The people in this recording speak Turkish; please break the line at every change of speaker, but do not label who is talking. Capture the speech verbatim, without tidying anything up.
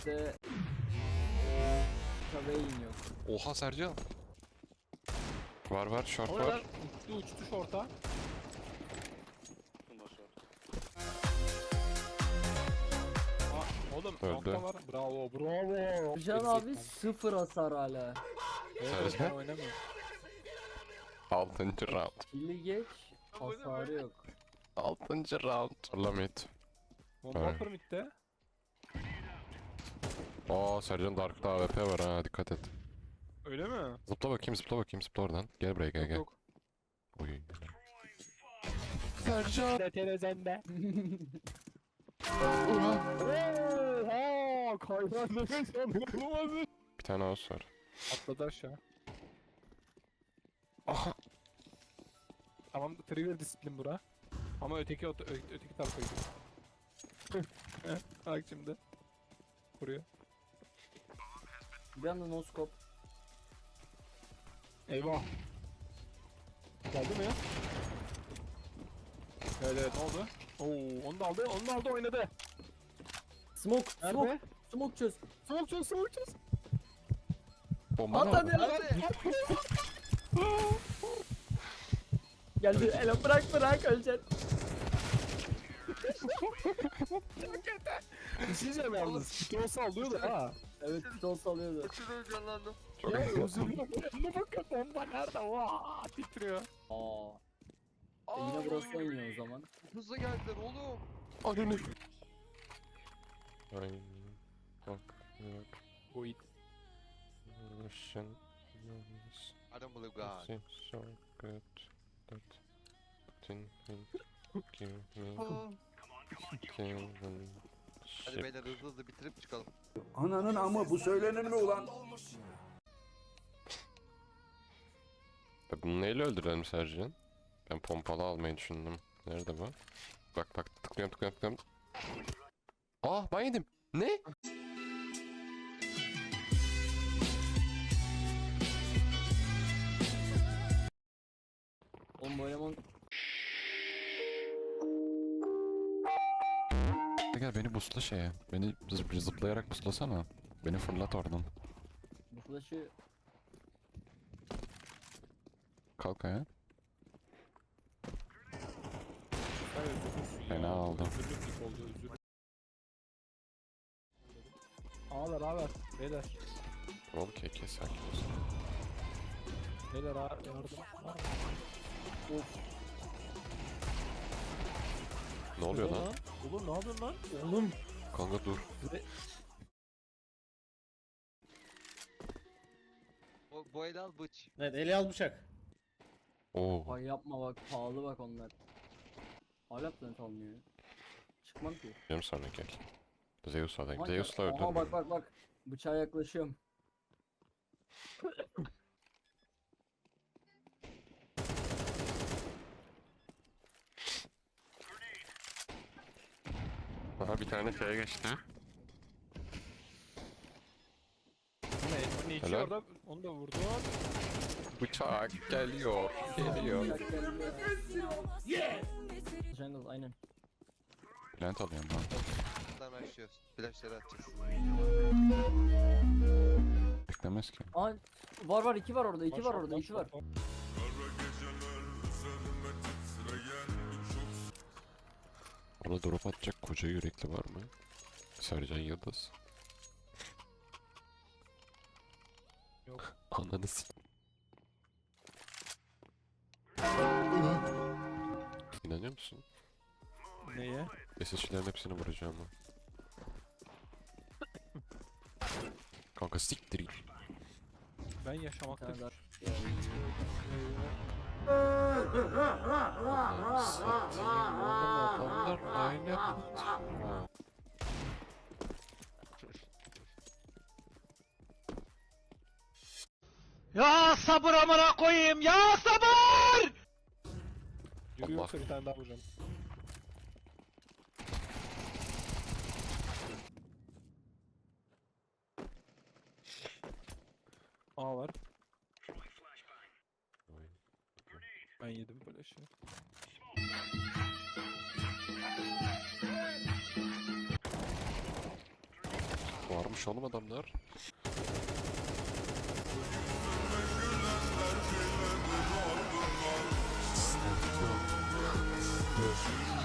midde Tabeyin yok.
Oha Sercan. Var var short
Orada
var.
uçtu uçtu şorta. Aa, oğlum
Öldü.
nokta var. Bravo bravo.
Can abi sıfır hasar hala.
Evet,
Sercan.
ben oynamıyorum.
Altıncı round.
Kili geç. Hasarı yok.
Altıncı round. Lamit.
Bomba
Evet.
permitte.
Aa Sercan Dark'ta A W P var ha, dikkat et.
Öyle mi?
Zıpla bakayım zıpla bakayım zıpla oradan. Gel buraya gel
Yok
gel.
yok.
Oy. Sercan.
De televizyonda. Oha! Kayran nefes alınamadı.
Bir tane os var.
Atladı aşağı.
Aha.
Tamam, trigger disiplin bura. Ama öteki ö- ö- öteki tarafa gidiyor. Bak şimdi. Kuruyor.
Bir anda noskop.
Eyvah. Geldi mi ya? Evet evet, ne oldu? Oo, onu da aldı, onu da aldı, oynadı.
Smoke, smoke,
Nerede?
smoke çöz.
Soğuk çöz, soğuk çöz.
Bomba
At
mı
hadi
aldın?
at. Geldi ele bırak bırak öleceksin.
Bir şey diyeceğim yalnız. Pitron sallıyor da ha.
Evet pitol salıyordu.
Çok heyecanlandım.
Çok
Ya
iyi.
özür dilerim. Ne bakın, bomba nerede? Vaa, titriyor.
Aa.
Aa,
Yine burası oynuyor o zaman.
hızlı geldiler oğlum.
Ananı. Ay. Bak. Bak.
Bu it.
Russian.
I don't believe God.
Seems so good that didn't give me kill them.
Hadi beyler hızlı hızlı bitirip çıkalım.
Ananın amı bu söylenir mi ulan?
Ya bunu neyle öldürelim Sercan? Ben pompalı almayı düşündüm. Nerede bu? Bak bak tıklıyorum tıklıyorum tıklıyorum. Ah ben yedim. Ne?
Oğlum bu eleman
Gel beni busla şeye. Beni zıp- zıplayarak buslasana. Beni fırlat oradan.
bu flash'ı
Kalk ayağa.
Evet, özür
Fena
ya.
aldım.
Özürlük ilk oldu, özür. Ağlar ağlar. Beyler.
Okey kes sakin ol.
Beyler ağlar. Yardım. Var mı?
Ne oluyor lan?
Oğlum ne yapıyorsun lan?
oğlum
Kanka dur.
O, bu el al bıç.
Evet, eli az bıçak.
Oo.
ay yapma bak pahalı bak onlar. Hala planet almıyor ya. Çıkmam ki.
Diyorum sonra gel. Zeus'la
Aman
Zeus'la
ya- Aha bak
öldürdüm.
bak bak. Bıçağa yaklaşıyorum.
Aha bir tane şeye geçti.
Bu ne? Bu ne? İki
Helal.
orada. Onu da vurdu.
Bıçak geliyor. Geliyor.
Bıçak geldi. Jungle aynen.
Plant alıyorum lan.
Buradan başlıyoruz. Flashları atacağız.
Beklemez ki.
Aa var var iki var orada iki var orada iki var.
Ona drop atacak koca yürekli var mı? Sercan Yıldız.
Yok.
Ananı s**. İnanıyor musun?
Neye?
S S C'lerin hepsini vuracağım ben. Kanka siktir git.
Ben yaşamakta
Kadar.
Ananı satayım oğlum adamlar aynı yaptı.
Ya sabır amına koyayım ya sabır!
Yürü
Allah.
yoksa bir tane daha vuracağım. A var. Ben yedim böyle şey.
Varmış oğlum adamlar. Dur.